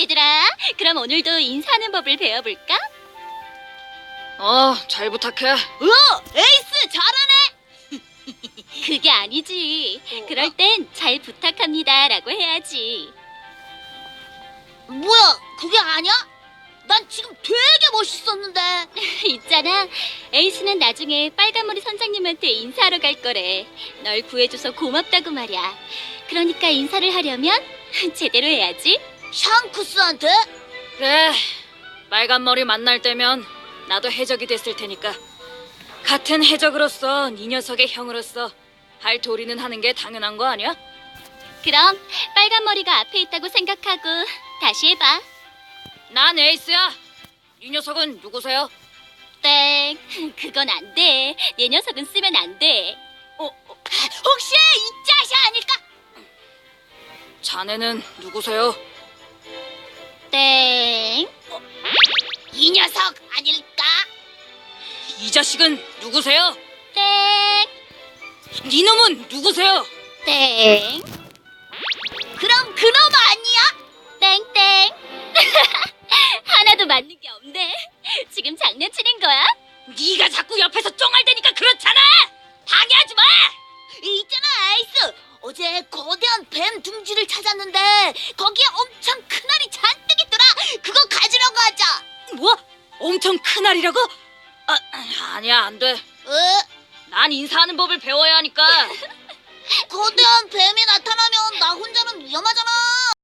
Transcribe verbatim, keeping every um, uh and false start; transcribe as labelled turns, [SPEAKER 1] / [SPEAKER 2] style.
[SPEAKER 1] 얘들아, 그럼 오늘도 인사하는 법을 배워볼까?
[SPEAKER 2] 어, 잘 부탁해.
[SPEAKER 3] 오, 에이스 잘하네.
[SPEAKER 1] 그게 아니지. 그럴 땐 잘 부탁합니다 라고 해야지.
[SPEAKER 3] 뭐야, 그게 아니야? 난 지금 되게 멋있었는데.
[SPEAKER 1] 있잖아, 에이스는 나중에 빨간머리 선장님한테 인사하러 갈 거래. 널 구해줘서 고맙다고 말이야. 그러니까 인사를 하려면 제대로 해야지.
[SPEAKER 3] 샹크스한테?
[SPEAKER 2] 그래, 빨간 머리 만날 때면 나도 해적이 됐을 테니까. 같은 해적으로서 네 녀석의 형으로서 할 도리는 하는 게 당연한 거 아니야?
[SPEAKER 1] 그럼 빨간머리가 앞에 있다고 생각하고 다시 해봐.
[SPEAKER 2] 난 에이스야. 이 녀석은 누구세요?
[SPEAKER 1] 땡, 그건 안 돼. 내 녀석은 쓰면 안 돼.
[SPEAKER 2] 어, 어,
[SPEAKER 3] 혹시 이 짜샤 아닐까?
[SPEAKER 2] 자네는 누구세요?
[SPEAKER 1] 땡,
[SPEAKER 3] 이 녀석 아닐까?
[SPEAKER 2] 이 자식은 누구세요?
[SPEAKER 1] 땡,
[SPEAKER 2] 니놈은 누구세요?
[SPEAKER 1] 땡,
[SPEAKER 3] 그럼 그놈 아니야?
[SPEAKER 1] 땡땡. 하나도 맞는 게 없네. 지금 장난치는 거야?
[SPEAKER 2] 네가 자꾸 옆에서 쫑알대니까 그렇잖아. 방해하지 마.
[SPEAKER 3] 있잖아, 에이스. 어제 거대한 뱀 둥지를 찾았는데 거기에 엄청 큰 알이 잔뜩 있더라. 그거 가지려고 하자.
[SPEAKER 2] 뭐? 엄청 큰 알이라고? 아, 아니야, 안 돼.
[SPEAKER 3] 어?
[SPEAKER 2] 난 인사하는 법을 배워야 하니까.
[SPEAKER 3] 거대한 뱀이 나타나면 나 혼자는 위험하잖아.